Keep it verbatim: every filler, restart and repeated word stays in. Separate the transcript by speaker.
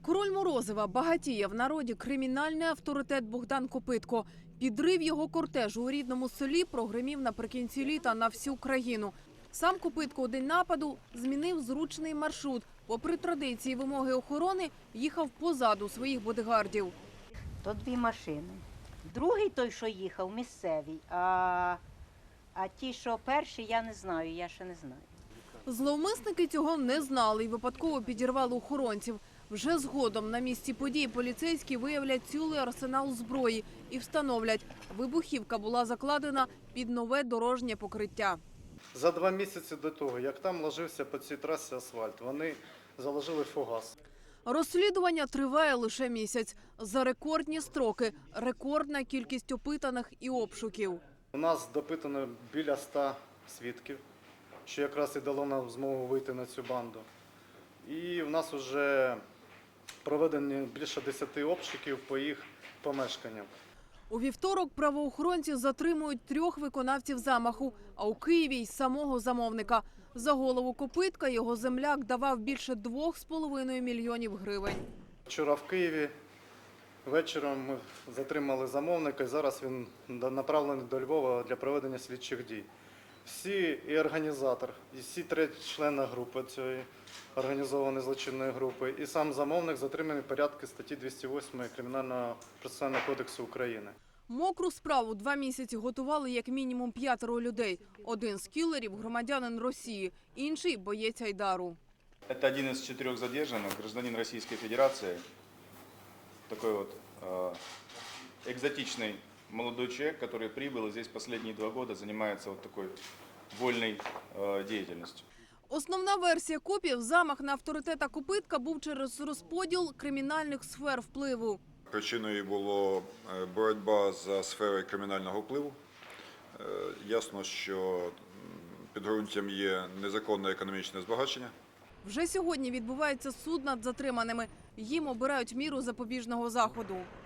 Speaker 1: Король Морозова багатіє в народі кримінальний авторитет Богдан Копитко. Підрив його кортежу у рідному селі прогримів наприкінці літа на всю країну. Сам Копитко у день нападу змінив зручний маршрут. Попри традиції і вимоги охорони, їхав позаду своїх бодигардів.
Speaker 2: То дві машини. Другий той, що їхав, місцевий, а, а ті, що перші, я не знаю, я ще не знаю.
Speaker 1: Зловмисники цього не знали і випадково підірвали охоронців. Вже згодом на місці події поліцейські виявлять цілий арсенал зброї і встановлять, вибухівка була закладена під нове дорожнє покриття.
Speaker 3: За два місяці до того, як там ложився по цій трасі асфальт, вони заложили фугас.
Speaker 1: Розслідування триває лише місяць. За рекордні строки, рекордна кількість опитаних і обшуків.
Speaker 3: У нас допитано біля ста свідків, що якраз і дало нам змогу вийти на цю банду. І в нас вже проведені більше десяти обшуків по їх помешканням.
Speaker 1: У вівторок правоохоронці затримують трьох виконавців замаху, а у Києві й самого замовника. За голову Копитка його земляк давав більше двох з половиною мільйонів гривень.
Speaker 3: Вчора в Києві вечором ми затримали замовника, і зараз він направлений до Львова для проведення слідчих дій. Всі і організатор, і всі три члени групи цієї організованої злочинної групи, і сам замовник затриманий в порядку статті двісті восьмої Кримінального процесуального кодексу України.
Speaker 1: Мокру справу два місяці готували як мінімум п'ятеро людей. Один з кілерів – громадянин Росії, інший – боєць Айдару.
Speaker 4: Это один из четырех задержанных, гражданин Российской Федерации. Такой вот э, экзотичный молодой человек, который прибыл и здесь последние два года занимается вот такой вольной э, деятельностью.
Speaker 1: Основна версія копів – замах на авторитета Копитка був через розподіл кримінальних сфер впливу.
Speaker 5: Причиною було боротьба за сферою кримінального впливу. Ясно, що підґрунтям є незаконне економічне збагачення.
Speaker 1: Вже сьогодні відбувається суд над затриманими. Їм обирають міру запобіжного заходу.